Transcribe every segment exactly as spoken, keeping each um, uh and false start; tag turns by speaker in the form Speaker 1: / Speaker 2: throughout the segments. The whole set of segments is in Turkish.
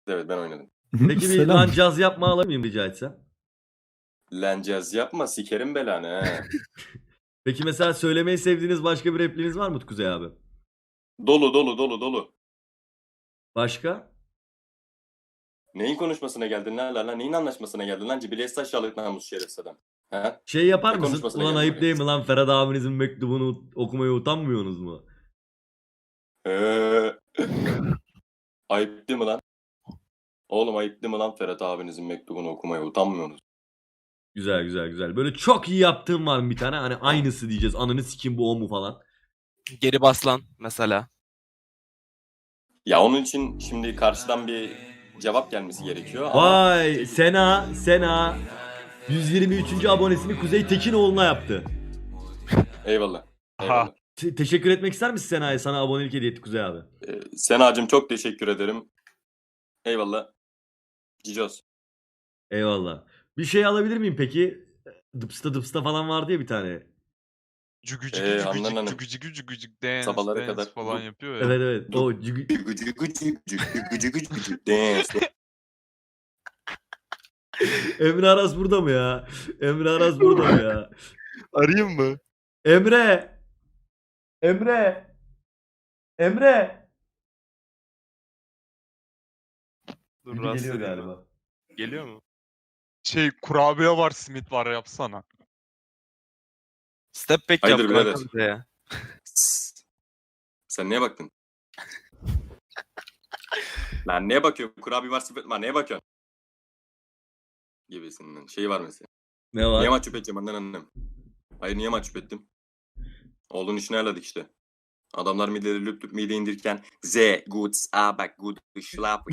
Speaker 1: Evet ben oynadım.
Speaker 2: Peki bir
Speaker 3: Selam.
Speaker 2: lan caz yapma alabilir miyim rica etsem?
Speaker 1: Lencez yapma sikerim belanı he.
Speaker 2: Peki mesela söylemeyi sevdiğiniz başka bir repliğiniz var mı Kuzey abi?
Speaker 1: Dolu dolu dolu dolu.
Speaker 2: Başka?
Speaker 1: Neyin konuşmasına geldin lan lan? Neyin anlaşmasına geldin lan? Cibiliyet aşağılık namus şerefsiz adam. He?
Speaker 2: Şey yapar
Speaker 1: Ne
Speaker 2: mısın?
Speaker 1: konuşmasına
Speaker 2: Ulan
Speaker 1: geldin
Speaker 2: ayıp
Speaker 1: buraya?
Speaker 2: değil mi lan Ferhat abinizin mektubunu okumaya utanmıyorsunuz mu?
Speaker 1: Ee, ayıp değil mi lan? Oğlum ayıp değil mi lan Ferhat abinizin mektubunu okumaya utanmıyorsunuz?
Speaker 2: Güzel güzel güzel. Böyle çok iyi yaptığım var mı bir tane? Hani aynısı diyeceğiz. Ananı sikim bu o mu falan.
Speaker 4: Geri baslan mesela.
Speaker 1: Ya onun için şimdi karşıdan bir cevap gelmesi gerekiyor ama...
Speaker 2: Vay Sena Sena yüz yirmi üçüncü abonesini Kuzey Tekinoğlu'na yaptı.
Speaker 1: Eyvallah. Eyvallah.
Speaker 2: Te- teşekkür etmek ister misin Sena'ya? Sana abonelik hediye etti Kuzey abi.
Speaker 1: Ee, Senacığım çok teşekkür ederim. Eyvallah. Cicos.
Speaker 2: Eyvallah. Bir şey alabilir miyim peki? Dıpsta dıpsta falan vardı ya bir tane.
Speaker 5: Cügücük
Speaker 1: Ee,
Speaker 5: cügücük
Speaker 1: Handan Hanım.
Speaker 5: cügücük cügücük dance
Speaker 1: Sabahlara
Speaker 5: dance
Speaker 1: kadar
Speaker 5: falan
Speaker 1: bu-
Speaker 5: yapıyor ya.
Speaker 2: Evet evet. O cügü-
Speaker 1: Gıcı gıcı gıcı gıcı gıcı gıcı dance.
Speaker 2: Emre Aras burada mı ya? Emre Aras burada mı ya?
Speaker 5: Arayayım mı?
Speaker 2: Emre! Emre! Emre!
Speaker 5: Dur
Speaker 2: Gibi
Speaker 5: rahatsız
Speaker 2: geliyor
Speaker 5: edeyim mi?
Speaker 2: galiba.
Speaker 5: Geliyor mu? Şey kurabiye var simit var yapsana.
Speaker 4: Step back
Speaker 1: Hayırdır
Speaker 4: yap kanka
Speaker 1: birader?
Speaker 4: bize ya.
Speaker 1: Sen neye baktın? Lan neye bakıyorsun? Kurabiye var sepet var. Neye bakıyorsun? Gibisinden. Şey var mesela.
Speaker 2: Ne var?
Speaker 1: Niye mahcup edeceğim annen annem? Hayır niye mahcup ettim? Oğlun işini ayarladık işte. Adamlar mideleri lüp lüp mide indirirken Z, good, a bak, good, schlaf,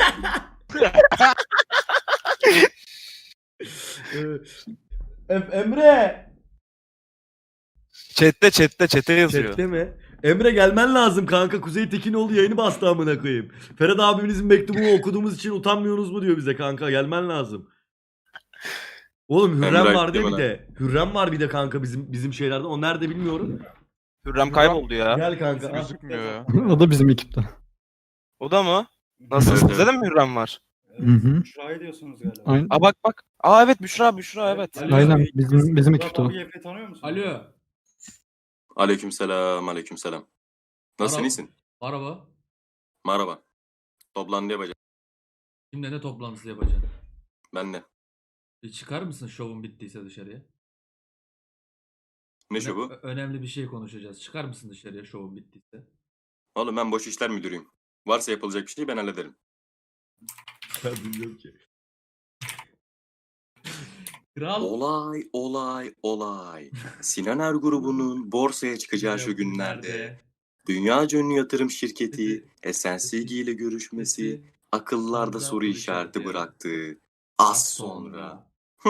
Speaker 2: Ee, Em- Emre!
Speaker 4: Chat'te chat'te chat'e yazıyor.
Speaker 2: Chat'te mi? Emre gelmen lazım kanka. Kuzey Tekinoğlu yayını bastı amına koyayım. Ferhat abimizin mektubunu okuduğumuz için utanmıyorsunuz mu diyor bize kanka. Gelmen lazım. Oğlum Hürrem
Speaker 1: Emre
Speaker 2: var diye
Speaker 1: ayıp
Speaker 2: bir
Speaker 1: deme
Speaker 2: de. Hürrem var bir de kanka bizim bizim şeylerde. O nerede bilmiyorum.
Speaker 4: Hürrem kayboldu ya.
Speaker 2: Gel kanka. al.
Speaker 5: Gözükmüyor ya.
Speaker 3: O da bizim ekipte.
Speaker 4: O da mı? Nasıl?
Speaker 1: Evet,
Speaker 4: Sizde
Speaker 1: evet.
Speaker 4: de mi Hürrem var?
Speaker 3: Hı hı.
Speaker 6: Büşra'yı diyorsunuz galiba.
Speaker 3: Aynen.
Speaker 4: Aa bak bak. Aa evet Büşra Büşra evet.
Speaker 6: Alo.
Speaker 3: Aynen bizim bizim ekipte o.
Speaker 6: Murat abi Efe tanıyor musun?
Speaker 7: Alo.
Speaker 1: Aleykümselam, aleykümselam. Nasılsın,
Speaker 7: Merhaba.
Speaker 1: iyisin?
Speaker 7: Araba.
Speaker 1: Merhaba. Toplantı yapacağım.
Speaker 7: Kimle ne toplantısı yapacaksın?
Speaker 1: Ben de.
Speaker 7: Bir çıkar mısın şovun bittiyse dışarıya?
Speaker 1: Ne
Speaker 7: Öne-
Speaker 1: şu bu?
Speaker 7: ö- Önemli bir şey konuşacağız. Çıkar mısın dışarıya şovun bittiyse?
Speaker 1: Oğlum ben boş işler müdürüyüm. Varsa yapılacak bir şey ben hallederim.
Speaker 2: Ben bilmiyorum ki.
Speaker 7: Kral.
Speaker 1: Olay, olay, olay. Sinan Er grubunun borsaya çıkacağı şu günlerde dünyaca ünlü yatırım şirketi S N C G ile görüşmesi akıllarda soru işareti bıraktı. Az sonra.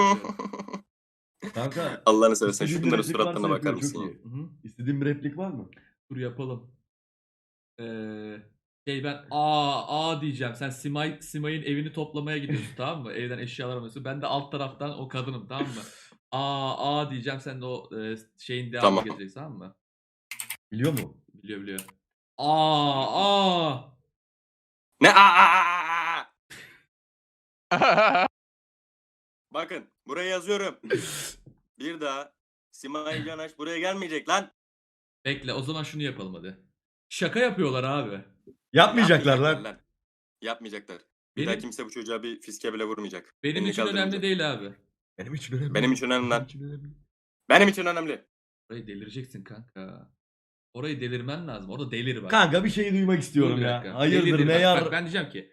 Speaker 2: Kanka.
Speaker 1: Allah'ını seversen
Speaker 2: istediğin bir
Speaker 1: şunların
Speaker 2: replik
Speaker 1: suratlarına
Speaker 2: varsa
Speaker 1: bakar
Speaker 2: yapıyor,
Speaker 1: mısın
Speaker 2: çok
Speaker 1: ya?
Speaker 2: iyi.
Speaker 7: Hı hı.
Speaker 2: İstediğin bir replik var mı?
Speaker 7: Dur yapalım. Ee, şey ben aa aa diyeceğim. Sen Simay Simay'ın evini toplamaya gidiyorsun tamam mı? Evden eşyalar alıyorsun. Ben de alt taraftan o kadınım tamam mı? Aa aa diyeceğim. Sen de o e, şeyin devamını
Speaker 1: Tamam.
Speaker 7: getireceksin tamam mı?
Speaker 2: Biliyor mu?
Speaker 7: Biliyor biliyor. Aa aa.
Speaker 1: Ne? Aa, aa, aa, aa! Bakın buraya yazıyorum. Bir daha Simay Canaş buraya gelmeyecek lan.
Speaker 7: Bekle o zaman şunu yapalım hadi. Şaka yapıyorlar abi.
Speaker 2: Yapmayacaklar lan.
Speaker 1: Yapmayacaklar. Bir
Speaker 7: Benim-
Speaker 1: daha kimse bu çocuğa bir fiske bile vurmayacak.
Speaker 7: Benim
Speaker 1: Elini
Speaker 7: için önemli
Speaker 1: kaldırmayacak.
Speaker 7: değil abi.
Speaker 2: Benim için önemli.
Speaker 1: Benim için önemli lan.
Speaker 2: Benim için önemli.
Speaker 1: Benim için önemli.
Speaker 7: Orayı delireceksin kanka. Orayı delirmen lazım. Orada delir bak.
Speaker 2: Kanka bir şey duymak
Speaker 7: Dur
Speaker 2: istiyorum
Speaker 7: bir
Speaker 2: ya.
Speaker 7: dakika.
Speaker 2: Hayırdır
Speaker 7: Delir,
Speaker 2: ne
Speaker 7: bak,
Speaker 2: yar...
Speaker 7: bak ben diyeceğim ki.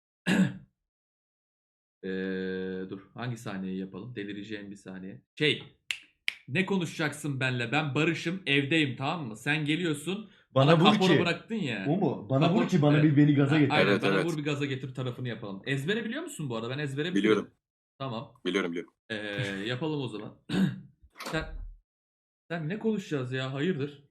Speaker 7: Eee dur hangi sahneyi yapalım? Delireceğim bir saniye. Şey. Ne konuşacaksın benle? Ben barışım, evdeyim tamam mı? Sen geliyorsun.
Speaker 2: Bana vur
Speaker 7: kapora
Speaker 2: ki.
Speaker 7: bıraktın ya.
Speaker 2: O mu? Bana
Speaker 7: Kapor-
Speaker 2: vur ki bana
Speaker 7: Evet.
Speaker 2: bir beni gaza
Speaker 7: Ha,
Speaker 2: getir.
Speaker 7: Aynen
Speaker 1: Evet,
Speaker 7: bana
Speaker 1: evet.
Speaker 7: vur bir gaza getir tarafını yapalım. Ezbere biliyor musun bu arada? Ben ezbere biliyorum.
Speaker 1: Biliyorum.
Speaker 7: Tamam.
Speaker 1: Biliyorum biliyorum.
Speaker 7: Ee, yapalım o zaman. sen, sen ne konuşacağız ya? Hayırdır?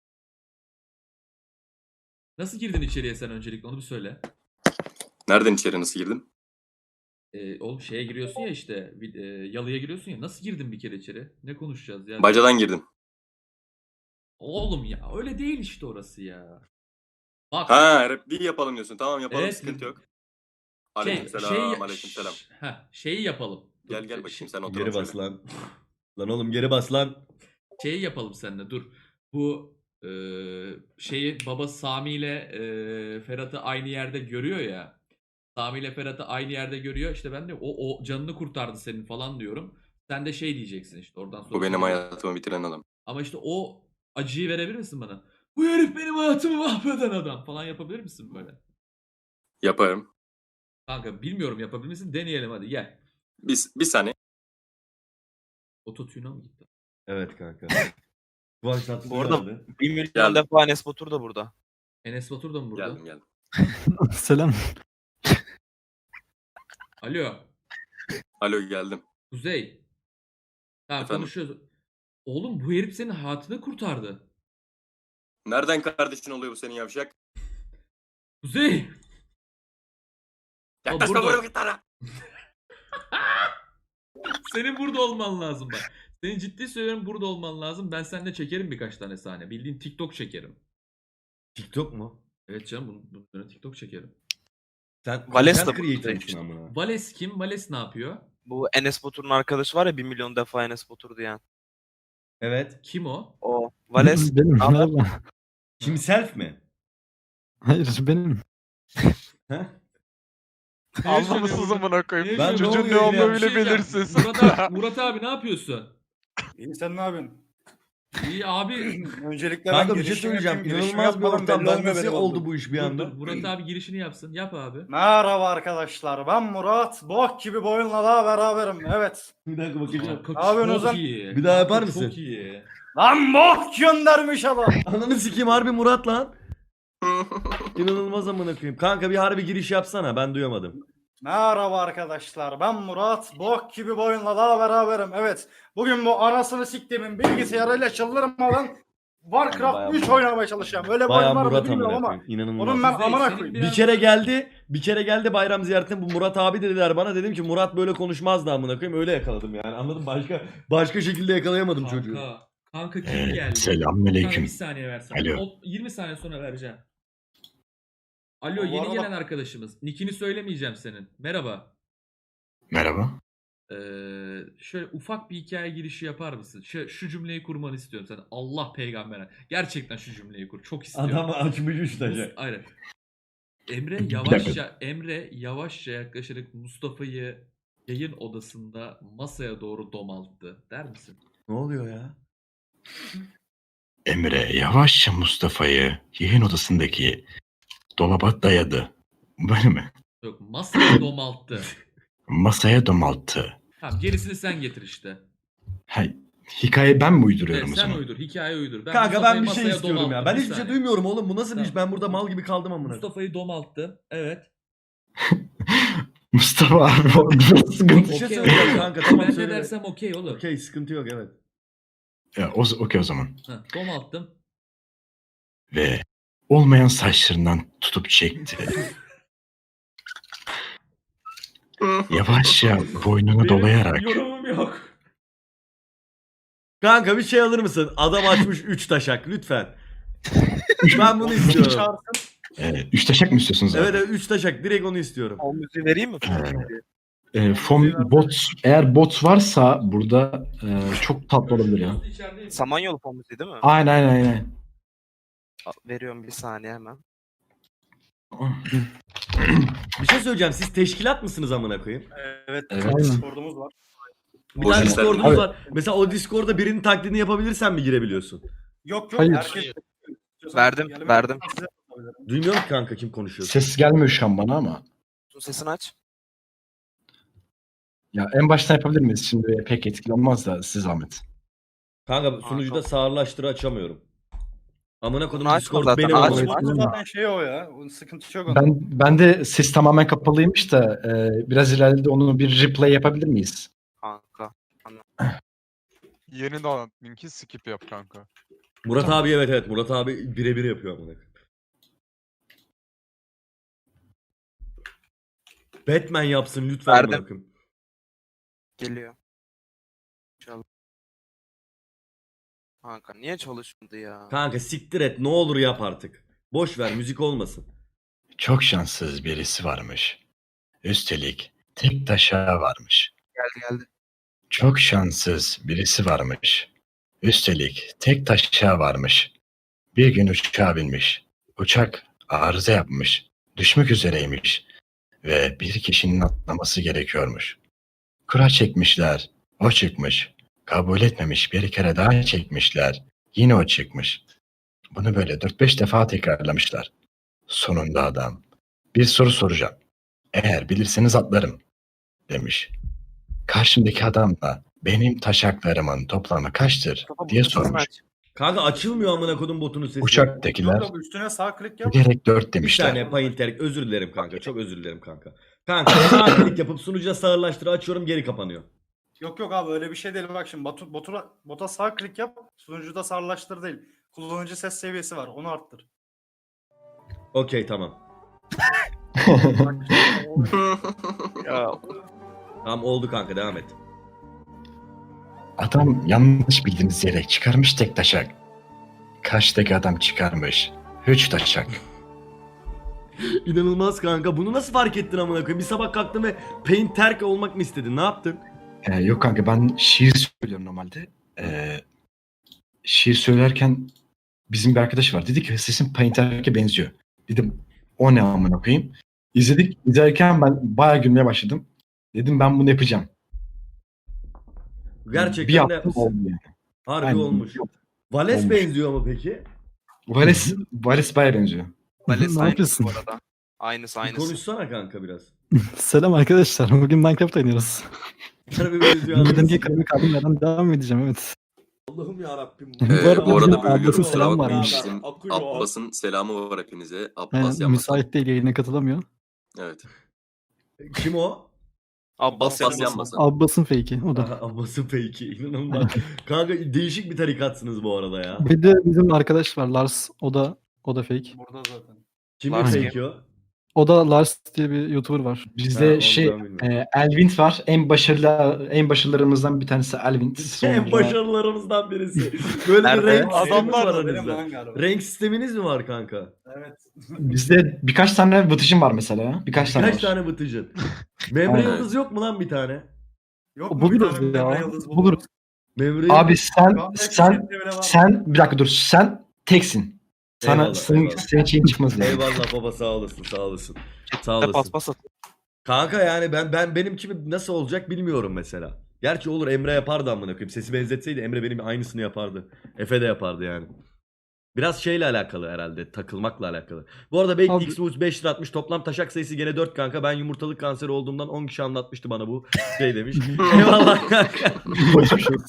Speaker 7: Nasıl girdin içeriye sen öncelikle onu bir söyle.
Speaker 1: Nereden içeri nasıl girdim?
Speaker 7: Ee, oğlum şeye giriyorsun ya işte vid- e, yalıya giriyorsun ya. Nasıl girdin bir kere içeri? Ne konuşacağız ya?
Speaker 1: Bacadan girdim.
Speaker 7: Oğlum ya öyle değil işte orası ya. Bak
Speaker 1: Ha repliği yapalım diyorsun. Tamam yapalım
Speaker 7: Evet,
Speaker 1: sıkıntı
Speaker 7: replik-
Speaker 1: yok. Aleykümselam,
Speaker 7: şey,
Speaker 1: aleykümselam.
Speaker 7: ş- heh, şeyi yapalım. Dur,
Speaker 1: Gel gel
Speaker 7: şey-
Speaker 1: bakayım sen otur.
Speaker 2: Geri bas lan. Lan oğlum geri bas lan.
Speaker 7: Şeyi yapalım seninle dur. Bu e, şeyi baba Sami ile e, Ferhat'ı aynı yerde görüyor ya. Sami ile Ferhat'ı aynı yerde görüyor. İşte ben de o, o canını kurtardı senin falan diyorum. Sen de şey diyeceksin işte oradan sonra.
Speaker 1: Bu benim hayatımı bitiren adam.
Speaker 7: Ama işte o acıyı verebilir misin bana? Bu herif benim hayatımı mahveden adam falan yapabilir misin böyle?
Speaker 1: Yaparım.
Speaker 7: Kanka bilmiyorum yapabilir misin? Deneyelim hadi gel.
Speaker 1: Bir, bir saniye.
Speaker 7: Ototune'a mı gitti?
Speaker 2: Evet kanka. Kıvanç Tatlıtuğ
Speaker 4: Bu arada
Speaker 2: geldi.
Speaker 4: bir milyon
Speaker 1: Geldim.
Speaker 4: defa Enes Batur da burada.
Speaker 7: Enes Batur da mı burada?
Speaker 1: Geldim geldim.
Speaker 3: Selam.
Speaker 7: Alo.
Speaker 1: Alo geldim.
Speaker 7: Kuzey. Tamam
Speaker 1: Efendim?
Speaker 7: konuşuyoruz. Oğlum bu herif senin hayatını kurtardı.
Speaker 1: Nereden kardeşin oluyor bu senin yavşak?
Speaker 7: Kuzey.
Speaker 1: Yaklaşma
Speaker 7: burada.
Speaker 1: buraya gitara.
Speaker 7: Senin burada olman lazım bak. Senin ciddi söylüyorum burada olman lazım. Ben seninle çekerim birkaç tane sahne. Bildiğin TikTok çekerim.
Speaker 2: TikTok mu?
Speaker 7: Evet canım bunun, bunun üzerine TikTok çekerim.
Speaker 2: Sen
Speaker 4: Vales
Speaker 2: content
Speaker 4: de bu-
Speaker 2: creator mısın amına?
Speaker 7: Vales kim? Vales ne yapıyor?
Speaker 4: Bu Enes Batur'un arkadaşı var ya bir milyon defa Enes Batur diyen.
Speaker 2: Evet.
Speaker 7: Kim o?
Speaker 4: O. Vales.
Speaker 3: Benim.
Speaker 4: Haber?
Speaker 3: Merhaba.
Speaker 2: Kim self mi?
Speaker 3: Hayır benim.
Speaker 2: Heh?
Speaker 5: Anlamışsınız amına koyayım.
Speaker 2: Ben ne
Speaker 5: Çocuğun
Speaker 2: oluyor
Speaker 5: ne
Speaker 2: ya?
Speaker 5: olduğunu
Speaker 7: Bir şey
Speaker 5: bile
Speaker 7: diyeceğim.
Speaker 5: belirsiz.
Speaker 7: Murat abi, Murat abi ne yapıyorsun?
Speaker 6: İyi sen ne yapıyorsun?
Speaker 7: İyi abi.
Speaker 6: Öncelikle
Speaker 2: Kanka
Speaker 6: ben
Speaker 2: bir şey
Speaker 6: girişimi
Speaker 2: söyleyeceğim.
Speaker 6: yapayım, girişimi
Speaker 2: İnanılmaz bir
Speaker 6: yapmadan
Speaker 2: ortam.
Speaker 6: belli
Speaker 2: Ben
Speaker 6: olmuyor
Speaker 2: nasıl
Speaker 6: benim
Speaker 2: oldu
Speaker 6: olduğum.
Speaker 2: bu iş bir
Speaker 7: Dur,
Speaker 2: anda?
Speaker 7: dur, Murat abi girişini yapsın. Yap abi.
Speaker 6: Merhaba arkadaşlar ben Murat. Bok gibi bu oyunla daha beraberim. Evet.
Speaker 2: Bir dakika bakacağım.
Speaker 7: Kanka
Speaker 6: Ne yapıyorsun
Speaker 7: çok
Speaker 6: Ozan?
Speaker 7: iyi.
Speaker 2: Bir daha yapar
Speaker 7: Kanka
Speaker 2: mısın?
Speaker 7: Çok iyi.
Speaker 6: Lan bok göndermiş adam.
Speaker 2: Ananı sikeyim harbi Murat lan. İnanılmaz amına koyayım. Kanka bir harbi giriş yapsana. Ben duyamadım.
Speaker 6: Merhaba arkadaşlar ben Murat. Bok gibi bu oyunla daha beraberim. Evet. Bugün bu anasını siktiğimin bilgisayarıyla çıldırmadan
Speaker 2: Bayağı
Speaker 6: Warcraft üç
Speaker 2: Murat.
Speaker 6: oynamaya çalışacağım. Öyle bir
Speaker 2: Bayağı
Speaker 6: oyun var mı
Speaker 2: Murat
Speaker 6: bilmiyorum
Speaker 2: amına
Speaker 6: ama.
Speaker 2: koyayım. İnanılmaz.
Speaker 6: Onun ben
Speaker 7: Kuzey,
Speaker 6: amına
Speaker 7: senin
Speaker 6: koyayım.
Speaker 7: biraz-
Speaker 2: Bir kere geldi, bir kere geldi bayram ziyaretine bu Murat abi dediler bana. Dedim ki Murat böyle konuşmazdı amına koyayım. Öyle yakaladım yani. Anladın başka başka şekilde yakalayamadım çocuğu.
Speaker 7: Kanka. Kanka kim
Speaker 8: Evet,
Speaker 7: geldi? Kanka
Speaker 8: selamünaleyküm.
Speaker 7: bir saniye versene.
Speaker 8: Alo.
Speaker 7: O- yirmi saniye sonra vereceğim. Alo
Speaker 6: Bu
Speaker 7: yeni
Speaker 6: arada-
Speaker 7: gelen arkadaşımız. Nickini söylemeyeceğim senin. Merhaba.
Speaker 8: Merhaba.
Speaker 7: Ee, şöyle ufak bir hikaye girişi yapar mısın? Şu, şu cümleyi kurmanı istiyorum sen. Allah peygambere. Gerçekten şu cümleyi kur. Çok istiyorum.
Speaker 2: Adam açmış üç
Speaker 7: Mus-
Speaker 2: taşı.
Speaker 7: Aynen. Emre
Speaker 8: Bir
Speaker 7: yavaşça Emre yavaşça yaklaşarak Mustafa'yı yayın odasında masaya doğru domalttı. Der misin?
Speaker 2: Ne oluyor ya?
Speaker 8: Emre yavaşça Mustafa'yı yayın odasındaki dolaba dayadı. Böyle mi?
Speaker 7: Yok masaya domalttı.
Speaker 8: Masaya domalttı.
Speaker 7: Tamam gerisini sen getir işte.
Speaker 8: Ha, hikaye ben mi uyduruyorum
Speaker 7: Evet,
Speaker 8: o
Speaker 7: sen
Speaker 8: zaman?
Speaker 7: uydur. Hikaye uydur. Ben
Speaker 2: Kanka
Speaker 7: Mustafa'yı
Speaker 2: ben bir şey
Speaker 7: masaya
Speaker 2: istiyorum ya.
Speaker 7: domalttım.
Speaker 2: Ben
Speaker 7: Bir
Speaker 2: hiçbir şey
Speaker 7: saniye.
Speaker 2: duymuyorum oğlum. Bu nasıl bir iş?
Speaker 7: Tamam.
Speaker 2: Ben burada mal gibi kaldım amına.
Speaker 7: Mustafa'yı domalttı. Evet.
Speaker 8: Mustafa abi o biraz sıkıntı.
Speaker 2: Bir şey
Speaker 7: Okey,
Speaker 2: söyleyeceğim
Speaker 7: okey.
Speaker 2: kanka. Tamam
Speaker 7: Ben ne
Speaker 2: söyle.
Speaker 7: dersem okey olur.
Speaker 2: Okey sıkıntı yok evet.
Speaker 8: Ya, o, okey o zaman.
Speaker 7: Ha, domalttım.
Speaker 8: Ve olmayan saçlarından tutup çekti. Yavaşça boynunu
Speaker 7: Benim
Speaker 8: dolayarak
Speaker 7: yorumum yok.
Speaker 2: Kanka bir şey alır mısın? Adam açmış üç taşak lütfen. ben bunu istiyorum.
Speaker 6: Çağırsın.
Speaker 8: e, üç taşak mı istiyorsunuz abi?
Speaker 2: Evet evet üç taşak direkt onu istiyorum.
Speaker 4: O müziği vereyim mi?
Speaker 8: E, fon, bot, eğer bot varsa burada e, çok tatlı olabilir ya.
Speaker 7: İçerideyim.
Speaker 4: Samanyolu fon müziği değil mi?
Speaker 8: Aynen aynen aynen.
Speaker 4: Al, veriyorum bir saniye hemen.
Speaker 2: Bir şey söyleyeceğim. Siz teşkilat mısınız amına koyayım?
Speaker 6: Evet.
Speaker 8: Evet.
Speaker 6: Discord'umuz var.
Speaker 2: Bir
Speaker 1: Boş
Speaker 2: tane
Speaker 1: ver.
Speaker 2: Discord'umuz
Speaker 8: Abi-
Speaker 2: var. Mesela o Discord'da birinin taklidini yapabilirsen mi girebiliyorsun?
Speaker 6: Yok yok.
Speaker 3: Hayır.
Speaker 6: Herkes...
Speaker 4: Verdim,
Speaker 6: Yani ben
Speaker 4: verdim.
Speaker 6: size yapabilirim.
Speaker 2: Duymuyorum ki kanka kim konuşuyor.
Speaker 8: Ses gelmiyor şu an bana ama.
Speaker 4: Sesini aç.
Speaker 8: Ya en baştan yapabilir miyiz? Şimdi pek etkili olmaz da siz zahmet.
Speaker 2: Kanka sunucuda sağırlaştırı açamıyorum. Amına kodum
Speaker 4: Bunu açma
Speaker 2: Discord
Speaker 4: zaten,
Speaker 2: benim
Speaker 4: açma.
Speaker 2: amına.
Speaker 6: Discord'un zaten şey o ya. Onun sıkıntı yok onda.
Speaker 8: Ben ben de ses tamamen kapalıymış da e, biraz ileride onu bir replay yapabilir miyiz?
Speaker 4: Kanka.
Speaker 5: Yeni de linki skip yap kanka.
Speaker 2: Murat
Speaker 8: Tamam.
Speaker 2: abi evet evet Murat abi birebir yapıyor amına. Batman yapsın lütfen
Speaker 4: Verdim.
Speaker 2: amına koyayım.
Speaker 4: Geliyor. Çal. Kanka niye çalışmadı ya?
Speaker 2: Kanka siktir et ne olur yap artık. Boş ver müzik olmasın.
Speaker 8: Çok şanssız birisi varmış. Üstelik tek taşağı varmış.
Speaker 4: Geldi geldi.
Speaker 8: Çok şanssız birisi varmış. Üstelik tek taşağı varmış. Bir gün uçağa binmiş. Uçak arıza yapmış. Düşmek üzereymiş. Ve bir kişinin atlaması gerekiyormuş. Kura çekmişler. O çıkmış. Kabul etmemiş, bir kere daha çekmişler. Yine o çıkmış. Bunu böyle dört beş defa tekrarlamışlar. Sonunda adam, bir soru soracağım. Eğer bilirseniz atlarım, demiş. Karşımdaki adam da benim taşaklarımın toplamı kaçtır
Speaker 4: Kafa
Speaker 8: diye
Speaker 4: bunu sesini
Speaker 8: sormuş.
Speaker 4: aç.
Speaker 2: Kanka açılmıyor amına kodum botunun sesi.
Speaker 8: Uçaktakiler
Speaker 6: Yok, üstüne sağ klik yap.
Speaker 8: gerek dört
Speaker 2: Bir
Speaker 8: demişler.
Speaker 2: saniye Painter, özür dilerim kanka. Çok özür dilerim kanka. Kanka sağ klik yapıp sunucuda sağırlaştır açıyorum, geri kapanıyor.
Speaker 6: Yok yok abi öyle bir şey değil. Bak şimdi botu, botura, bota sağ klik yap. Sunucuda sarılaştır değil. Kullanıcı ses seviyesi var. Onu arttır.
Speaker 2: Okey tamam.
Speaker 6: Bak işte o-
Speaker 4: Ya
Speaker 2: Tamam oldu kanka, devam et.
Speaker 8: Adam yanlış bildiğiniz yere çıkarmış tek taşak. Karşıdaki adam çıkarmış üç taşak.
Speaker 2: İnanılmaz kanka. Bunu nasıl fark ettin amına koyayım? Bir sabah kalktın ve Painter olmak mı istedin? Ne yaptın?
Speaker 8: Ee, yok kanka, ben şiir söylüyorum normalde. Ee, şiir söylerken bizim bir arkadaş var. Dedi ki sesin Painter'e benziyor. Dedim o ne amına koyayım. İzledik. İzlerken ben bayağı gülmeye başladım. Dedim ben bunu yapacağım.
Speaker 2: Gerçekten
Speaker 8: bir
Speaker 2: de
Speaker 8: yaptım
Speaker 2: yapmışsın.
Speaker 8: oldu yani.
Speaker 2: Harbi
Speaker 8: Aynen.
Speaker 2: olmuş. Vales
Speaker 8: Olmuş.
Speaker 2: benziyor mu peki?
Speaker 8: Vales, Vales bayağı benziyor.
Speaker 4: Vales
Speaker 3: Ne
Speaker 4: aynısı
Speaker 3: yapıyorsun?
Speaker 4: bu arada. Aynısı
Speaker 2: Bir
Speaker 4: aynısı.
Speaker 2: konuşsana kanka biraz.
Speaker 3: Selam arkadaşlar. Bugün Minecraft oynuyoruz.
Speaker 2: Harbi benziyor.
Speaker 3: Neden diye kalemi kaldım yerden devam edeceğim, evet.
Speaker 2: Allah'ım yarabbim.
Speaker 3: Bu
Speaker 1: Ee,
Speaker 3: arada
Speaker 1: bu arada
Speaker 3: bizim
Speaker 1: bölüyorum.
Speaker 3: Abbas'ın
Speaker 1: Kusura
Speaker 3: selam
Speaker 1: bakmayın.
Speaker 3: varmış.
Speaker 1: Bizim
Speaker 2: Akıyor.
Speaker 1: Abbas'ın selamı var hepinize. Abbas
Speaker 3: Aynen,
Speaker 1: yapmasın.
Speaker 3: müsait değil, yayına katılamıyor.
Speaker 1: Evet.
Speaker 2: Kim o?
Speaker 4: Abbas
Speaker 1: Abbas
Speaker 4: yanmasın.
Speaker 1: yanmasın.
Speaker 3: Abbas'ın fake'i o da.
Speaker 2: Aha, Abbas'ın fake'i. İnanılmaz. Kanka değişik bir tarikatsınız bu arada ya.
Speaker 3: Bir de bizim arkadaş var Lars. O da o da fake.
Speaker 6: Burada zaten.
Speaker 2: Kimin
Speaker 4: Lars
Speaker 2: fake'i o?
Speaker 3: O da Lars diye bir YouTuber var.
Speaker 2: Ha,
Speaker 8: Bizde
Speaker 2: onu
Speaker 8: şey
Speaker 2: ben bilmiyorum.
Speaker 8: e, Elvint var. En başarılı en başarılarımızdan bir tanesi Elvint.
Speaker 2: En
Speaker 8: Sonra-
Speaker 2: başarılarımızdan birisi. Böyle bir
Speaker 4: Nerede?
Speaker 2: renk sistemi
Speaker 6: Adamlar
Speaker 2: var
Speaker 6: da benim
Speaker 2: aranızda.
Speaker 6: lan galiba.
Speaker 2: Renk sisteminiz mi var kanka?
Speaker 6: Evet.
Speaker 8: Bizde birkaç tane vıtıcım var mesela ya. Birkaç tane
Speaker 2: Kaç
Speaker 8: var.
Speaker 2: tane bıtıcın? Memre
Speaker 8: Aynen.
Speaker 2: Yıldız yok mu lan bir tane?
Speaker 6: Yok mu bir
Speaker 3: Buluruz
Speaker 6: tane Memre
Speaker 3: ya.
Speaker 6: Yıldız buluruz.
Speaker 3: Buluruz.
Speaker 2: Memre
Speaker 8: Abi
Speaker 2: Yıldız-
Speaker 8: sen
Speaker 6: Şu anda
Speaker 8: sen
Speaker 6: hepsi bile var.
Speaker 8: sen bir dakika dur. Sen teksin. Sana
Speaker 2: Eyvallah,
Speaker 8: senin,
Speaker 2: eyvallah.
Speaker 8: senin şeyin çıkmaz yani.
Speaker 2: Eyvallah baba, sağ olasın, sağ olasın. Sağ
Speaker 4: Hep
Speaker 2: olasın.
Speaker 4: paspas at.
Speaker 2: Kanka yani ben ben benim gibi nasıl olacak bilmiyorum mesela. Gerçi olur, Emre yapardı amına koyayım. Sesi benzetseydi Emre benim aynısını yapardı. Efe de yapardı yani. Biraz şeyle alakalı herhalde. Takılmakla alakalı. Bu arada belki
Speaker 3: Abi-
Speaker 2: X beş lira atmış. Toplam taşak sayısı gene dört kanka. Ben yumurtalık kanseri olduğumdan on kişi anlatmıştı bana bu. Şey demiş. Eyvallah kanka.
Speaker 8: Geçmiş olsun.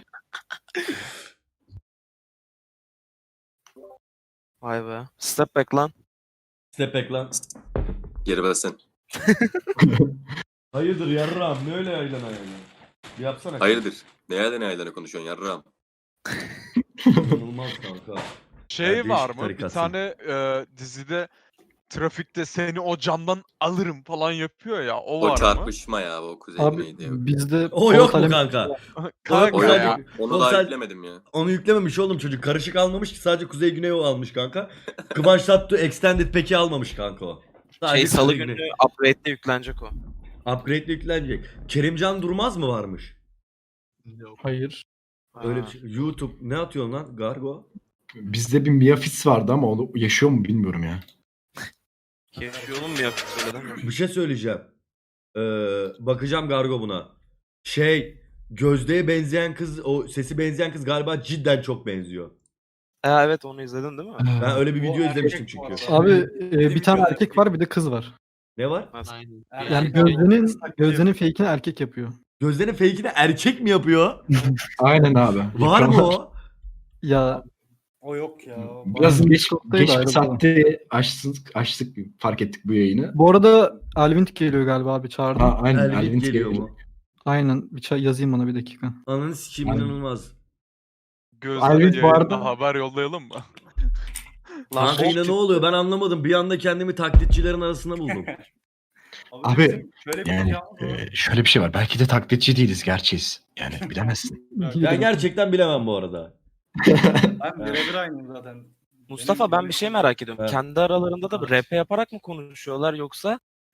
Speaker 4: Vay be. Step back lan.
Speaker 2: Step back lan.
Speaker 1: Geri versen.
Speaker 2: Hayırdır yarram, ne öyle yaylan ayağına? Bir yapsana.
Speaker 1: Hayırdır? Neyden neyden konuşuyorsun yarrağım?
Speaker 2: İnanılmaz kanka.
Speaker 5: Şey
Speaker 2: Yani
Speaker 5: var
Speaker 2: değişik
Speaker 5: mı? Bir
Speaker 2: tarikatsın.
Speaker 5: tane e, dizide trafikte seni o camdan alırım falan yapıyor ya. O,
Speaker 1: O
Speaker 5: var
Speaker 1: çarpışma ya o kuzey
Speaker 3: Abi
Speaker 1: güneydi. Yok.
Speaker 3: bizde
Speaker 2: O yok mu
Speaker 3: Polat Alem-
Speaker 2: kanka?
Speaker 5: mı?
Speaker 2: O
Speaker 5: Kanka
Speaker 1: O
Speaker 2: yok.
Speaker 5: ya.
Speaker 1: yok. Onu
Speaker 2: O
Speaker 1: daha
Speaker 2: sen-
Speaker 1: yüklemedim ya.
Speaker 2: Onu yüklememiş oğlum çocuk. Karışık almamış ki, sadece Kuzey Güney o almış kanka. Kıvanç Tatlı Extended Pack'i almamış kanka o. Sadece
Speaker 4: Şey salı
Speaker 2: Kuzey
Speaker 4: günü
Speaker 2: Güney.
Speaker 4: upgrade'de yüklenecek o.
Speaker 2: Upgrade'le yüklenecek. Kerimcan Durmaz mı varmış?
Speaker 3: Hayır.
Speaker 2: Öyle
Speaker 4: Ha.
Speaker 2: bir şey. YouTube ne atıyorsun lan Gargo?
Speaker 8: Bizde bir Miafis vardı ama o yaşıyor mu bilmiyorum ya.
Speaker 4: Yaşıyor mu yapıp söyledin mi?
Speaker 2: Bir şey söyleyeceğim. Ee, bakacağım Gargo buna. Şey, Gözde'ye benzeyen kız, o sesi benzeyen kız galiba cidden çok benziyor.
Speaker 4: Ha, evet onu izledin değil mi?
Speaker 2: Ben öyle bir
Speaker 6: O
Speaker 2: video
Speaker 6: erkek
Speaker 2: izlemiştim
Speaker 6: bu
Speaker 2: çünkü.
Speaker 6: arada.
Speaker 3: Abi e,
Speaker 6: Benim
Speaker 3: bir tane
Speaker 6: göz-
Speaker 3: erkek var, bir de kız var.
Speaker 2: Ne var?
Speaker 4: Nasıl?
Speaker 3: Yani
Speaker 6: Erkek
Speaker 3: Gözde'nin
Speaker 6: kız taklidi
Speaker 3: Gözde'nin
Speaker 6: yapıyor.
Speaker 3: fake'ini erkek yapıyor.
Speaker 2: Gözde'nin fake'ini erkek mi yapıyor?
Speaker 8: Aynen abi.
Speaker 2: Var mı o?
Speaker 3: Ya
Speaker 6: O yok ya. o
Speaker 8: Biraz
Speaker 6: bana-
Speaker 8: geç,
Speaker 3: Discord'daydı
Speaker 8: geç bir
Speaker 3: ayrı
Speaker 8: saatte açtık, açtık fark ettik bu yayını.
Speaker 3: bu arada Alvint geliyor galiba abi, çağırdım.
Speaker 8: Ha, aynen.
Speaker 2: Elvin
Speaker 8: Elvin
Speaker 2: geliyor
Speaker 8: geliyor.
Speaker 2: mu?
Speaker 3: Aynen, bir çay yazayım ona bir dakika.
Speaker 2: Ananı sikeyim,
Speaker 8: Aynen.
Speaker 2: inanılmaz.
Speaker 5: Gözlere
Speaker 8: Alvin bu
Speaker 5: yayında
Speaker 8: arada-
Speaker 5: haber yollayalım mı?
Speaker 4: Lan
Speaker 2: Kanka
Speaker 4: bok
Speaker 2: yine ne
Speaker 4: gibi.
Speaker 2: oluyor ben anlamadım. Bir anda kendimi taklitçilerin arasında buldum.
Speaker 8: Abi,
Speaker 6: bizim şöyle bir
Speaker 8: Yani
Speaker 6: imkanımız var.
Speaker 8: e, şöyle bir şey var. Belki de taklitçi değiliz, gerçeğiz. Yani bilemezsin.
Speaker 2: Ben gerçekten bilemem bu arada.
Speaker 6: Ben birebir aynıyım zaten.
Speaker 4: Mustafa
Speaker 6: Benim
Speaker 4: ben
Speaker 6: gibi-
Speaker 4: bir şey merak ediyorum.
Speaker 2: Evet.
Speaker 4: Kendi aralarında da R P yaparak mı konuşuyorlar yoksa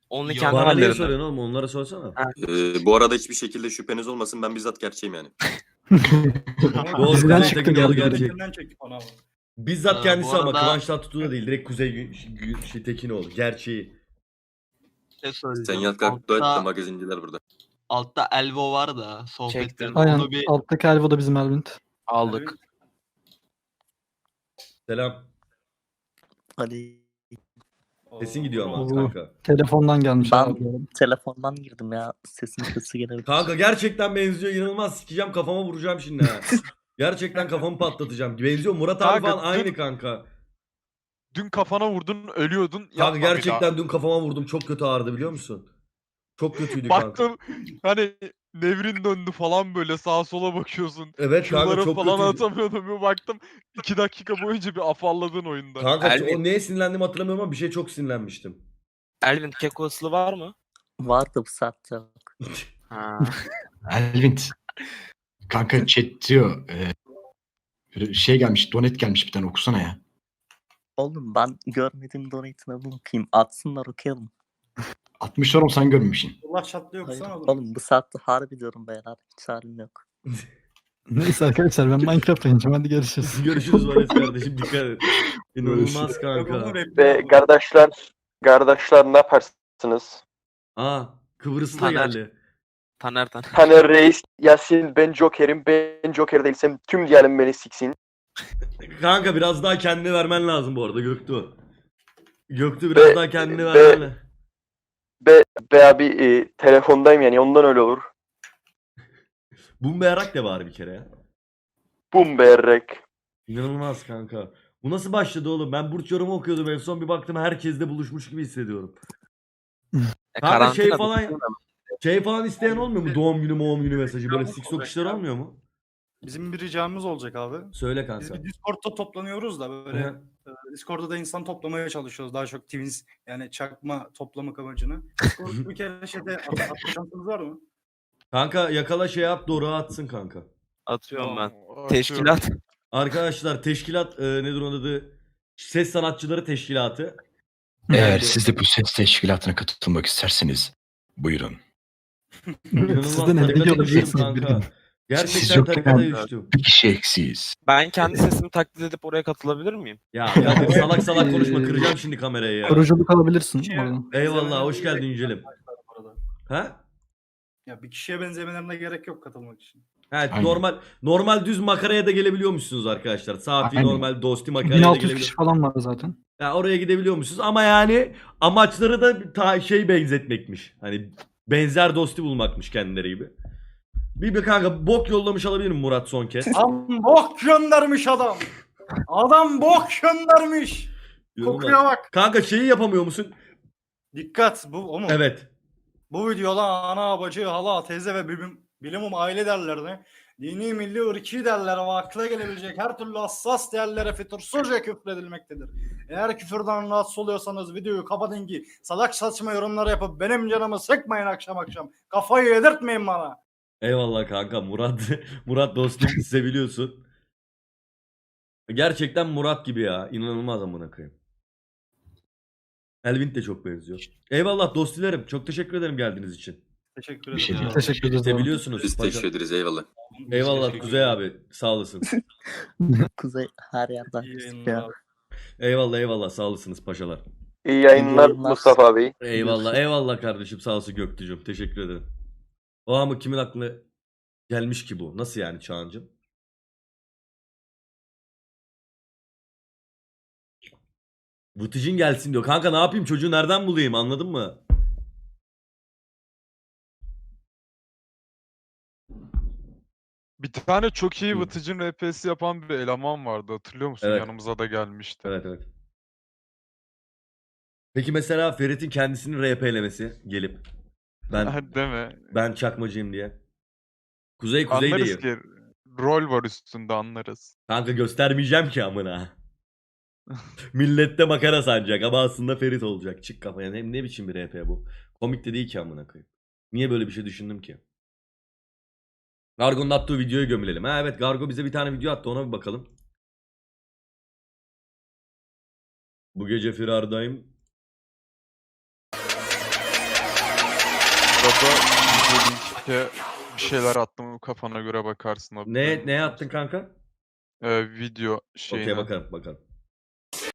Speaker 4: Only
Speaker 7: Ya
Speaker 4: kendi
Speaker 2: Bana niye
Speaker 4: hallerinde.
Speaker 2: soruyorsun oğlum? Onlara sorsana.
Speaker 1: Ee, bu arada hiçbir şekilde şüpheniz olmasın, ben bizzat gerçeğim yani.
Speaker 2: Doğru,
Speaker 3: Diziden
Speaker 2: Kuzey
Speaker 3: çıktı
Speaker 2: Tekin doğru
Speaker 3: geldi.
Speaker 2: gerçek.
Speaker 6: Elinden çektik onu ama.
Speaker 2: Bizzat
Speaker 9: Ee,
Speaker 2: kendisi
Speaker 9: bu
Speaker 2: ama
Speaker 9: arada-
Speaker 2: Kıvanç Tatlıtuğ da değil. Direkt Kuzey Gü- Gü- şey, Tekinoğlu. Gerçeği.
Speaker 9: Ne
Speaker 1: Sen
Speaker 9: söyleyeceğim?
Speaker 1: yat kalk dua et de
Speaker 9: Altta,
Speaker 1: magazinciler burada.
Speaker 9: altta Elvo var da sohbette.
Speaker 4: Çektim.
Speaker 3: Aynen.
Speaker 9: Onu bir
Speaker 3: Alttaki Elvo da bizim Elvint.
Speaker 4: Aldık.
Speaker 2: Selam.
Speaker 10: Hadi
Speaker 2: Sesin gidiyor ama
Speaker 3: Oo.
Speaker 2: kanka.
Speaker 3: Telefondan gelmiş.
Speaker 10: Ben-
Speaker 3: abi bu arada.
Speaker 10: telefondan girdim ya. Sesin sesi gelebilir.
Speaker 2: Kanka gerçekten benziyor. İnanılmaz sikeceğim, kafama vuracağım şimdi ha. Gerçekten kafamı patlatacağım. Benziyor. Murat abi
Speaker 5: Kanka,
Speaker 2: falan aynı
Speaker 5: dün-
Speaker 2: kanka.
Speaker 5: Dün kafana vurdun, ölüyordun.
Speaker 2: Kanka
Speaker 5: Yapma bir daha.
Speaker 2: gerçekten dün kafama vurdum. Çok kötü ağrıdı biliyor musun? Çok kötüydü kanka.
Speaker 5: Baktım hani nevrin döndü falan, böyle sağa sola bakıyorsun.
Speaker 2: Evet kanka
Speaker 5: Şunları
Speaker 2: çok
Speaker 5: falan
Speaker 2: kötüydü.
Speaker 5: atamıyordum. Bir baktım iki dakika boyunca bir afalladın oyunda.
Speaker 2: Kanka
Speaker 4: Elvin.
Speaker 2: o neye sinirlendiğimi hatırlamıyorum ama bir şey çok sinirlenmiştim.
Speaker 4: Elvin keko ıslı var mı?
Speaker 10: Vardı bu saatte yok.
Speaker 4: Ha.
Speaker 8: Elvin. Kanka chat diyor. E, böyle şey gelmiş, donet gelmiş, bir tane okusana ya.
Speaker 10: Oğlum ben görmediğim donate'ine bakayım. Atsınlar okuyalım.
Speaker 8: altmış oğlum, sen görmemişsin.
Speaker 6: Allah çatlıyor
Speaker 10: Hayır,
Speaker 6: kusana oğlum.
Speaker 10: oğlum bu saatte harbi diyorum beyler. Hiç halim yok.
Speaker 3: Neyse arkadaşlar ben Minecraft oynayacağım. Hadi görüşürüz.
Speaker 2: Görüşürüz Valet kardeşim, dikkat et. İnanılmaz kanka.
Speaker 6: Ve
Speaker 11: kardeşler, kardeşler ne yaparsınız?
Speaker 2: Aa Kıbrıs'ta
Speaker 4: Taner.
Speaker 2: geldi.
Speaker 4: Taner Taner.
Speaker 11: Taner Reis, Yasin, ben Joker'im, ben Joker değilsem tüm diyelim beni siksin.
Speaker 2: Kanka biraz daha kendini vermen lazım bu arada Göktuğ. Göktuğ biraz
Speaker 11: Be-
Speaker 2: daha kendini
Speaker 11: be-
Speaker 2: vermen lazım.
Speaker 11: Be, be abi e, telefondayım yani ondan öyle olur.
Speaker 2: Bumberak de bari bir kere ya.
Speaker 11: Bum berrek.
Speaker 2: İnanılmaz kanka. Bu nasıl başladı oğlum? Ben burç yorumu okuyordum en son, bir baktım herkesle buluşmuş gibi hissediyorum.
Speaker 4: E,
Speaker 2: Kanka şey
Speaker 4: karantina
Speaker 2: falan
Speaker 4: bitti mi?
Speaker 2: şey falan isteyen olmuyor mu? Doğum günü, doğum günü mesajı böyle siksok işler olmuyor mu?
Speaker 6: Bizim bir ricamız olacak abi.
Speaker 2: Söyle
Speaker 6: Biz
Speaker 2: kanka.
Speaker 6: bir Discord'da toplanıyoruz da böyle
Speaker 2: Hı.
Speaker 6: e, Discord'da da insan toplamaya çalışıyoruz. Daha çok twins yani çakma toplamak amacını. Discord'da bir kere şeyde at- atma şansınız var mı?
Speaker 2: Kanka yakala şey at, doğru atsın kanka.
Speaker 4: Atıyorum ben.
Speaker 5: Atıyorum.
Speaker 4: Teşkilat.
Speaker 2: Arkadaşlar teşkilat e, nedir onun adı? Ses Sanatçıları Teşkilatı.
Speaker 8: Eğer
Speaker 2: Yani-
Speaker 8: siz de bu ses teşkilatına katılmak isterseniz buyurun.
Speaker 2: İnanılmaz
Speaker 3: Siz de ne
Speaker 2: tarikata
Speaker 3: biliyor
Speaker 2: düştüm
Speaker 3: olacaksınız bir
Speaker 2: kanka.
Speaker 3: gün.
Speaker 8: Siz
Speaker 2: Gerçekten
Speaker 8: yokken-
Speaker 2: tarikata düştüm.
Speaker 8: Bir kişi eksiyiz.
Speaker 4: Ben kendi sesimi taklit edip oraya katılabilir miyim?
Speaker 2: Ya Kadir salak salak konuşma, kıracağım şimdi kamerayı ya.
Speaker 3: Kuruculuk alabilirsin
Speaker 6: Şey-
Speaker 3: oradan.
Speaker 2: Eyvallah, hoş geldin Yücel'im.
Speaker 6: Bu arada.
Speaker 2: Ha?
Speaker 6: Ya bir kişiye benzemelerine gerek yok katılmak için.
Speaker 2: Evet,
Speaker 8: Aynen.
Speaker 2: normal normal düz makaraya da gelebiliyormuşsunuz arkadaşlar. Safi
Speaker 8: Aynen.
Speaker 2: normal dosti makaraya
Speaker 3: bin
Speaker 2: da
Speaker 3: altı yüz
Speaker 2: gelebiliyor.
Speaker 3: kişi falan var zaten.
Speaker 2: Ya oraya gidebiliyormuşsunuz ama yani amaçları da ta şey benzetmekmiş. Hani benzer dosti bulmakmış kendileri gibi. Bir bir kanka bok yollamış alabilir miyim Murat son kez?
Speaker 6: Adam bok göndermiş adam. Adam bok göndermiş. Kokuya bak.
Speaker 2: Kanka şeyi yapamıyor musun?
Speaker 6: Dikkat bu o mu?
Speaker 2: Evet.
Speaker 6: Bu videoda ana, bacı, hala, teyze ve bilim, bilimum aile değerlerine, dini, milli, ırki değerlere ve akla gelebilecek her türlü hassas değerlere fütursuzca küfredilmektedir. Eğer küfürden rahatsız oluyorsanız videoyu kapatın ki salak saçma yorumlar yapıp benim canımı sıkmayın akşam akşam. Kafayı yedirtmeyin bana.
Speaker 2: Eyvallah kanka Murat. Murat dostum seviliyorsun. Gerçekten Murat gibi ya. İnanılmaz amına koyayım. Elvin de çok benziyor. Eyvallah dostilerim. Çok teşekkür ederim geldiğiniz için.
Speaker 6: Teşekkür
Speaker 8: Bir şey
Speaker 6: ederim.
Speaker 8: değil.
Speaker 3: Teşekkür ederiz. abi.
Speaker 2: Seviyorsunuz.
Speaker 1: Biz
Speaker 2: paşa.
Speaker 1: teşekkür ederiz, eyvallah.
Speaker 2: Eyvallah Kuzey abi. Sağ olasın.
Speaker 10: Kuzey her yerden.
Speaker 6: İyi
Speaker 10: pislik
Speaker 6: yayınlar
Speaker 10: ya.
Speaker 6: abi.
Speaker 2: Eyvallah eyvallah sağ olasınız paşalar.
Speaker 11: İyi yayınlar
Speaker 10: yayınlar.
Speaker 11: Mustafa abi.
Speaker 2: Eyvallah eyvallah kardeşim sağ olsun Göktücüm. Teşekkür ederim. O ama kimin aklına gelmiş ki bu? Nasıl yani Çağancım? Vıtıcın gelsin diyor. Kanka ne yapayım, çocuğu nereden bulayım, anladın mı?
Speaker 5: Bir tane çok iyi
Speaker 2: Hı.
Speaker 5: Vıtıcın R P'si yapan bir eleman vardı, hatırlıyor musun?
Speaker 2: Evet.
Speaker 5: Yanımıza da gelmişti.
Speaker 2: Evet evet. Peki mesela Ferit'in kendisini R P'lemesi gelip ben
Speaker 5: Değil mi?
Speaker 2: ben çakmacıyım diye. Kuzey
Speaker 5: Anlarız
Speaker 2: kuzeydeyim.
Speaker 5: ki rol var üstünde, anlarız.
Speaker 2: Kanka göstermeyeceğim ki amına. Millette makara sanacak ama aslında Ferit olacak. Çık kafaya. Ne, ne biçim bir R P bu? Komik de değil ki amına koyayım. Niye böyle bir şey düşündüm ki? Gargo'nun attığı videoyu gömülelim. Ha evet, Gargo bize bir tane video attı, ona bir bakalım. Bu gece firardayım.
Speaker 5: arada video linkte bir şeyler attım, kafana göre bakarsın abi.
Speaker 2: Ne ne yaptın kanka?
Speaker 5: Ee, video şeyine.
Speaker 2: Okey bakalım bakalım.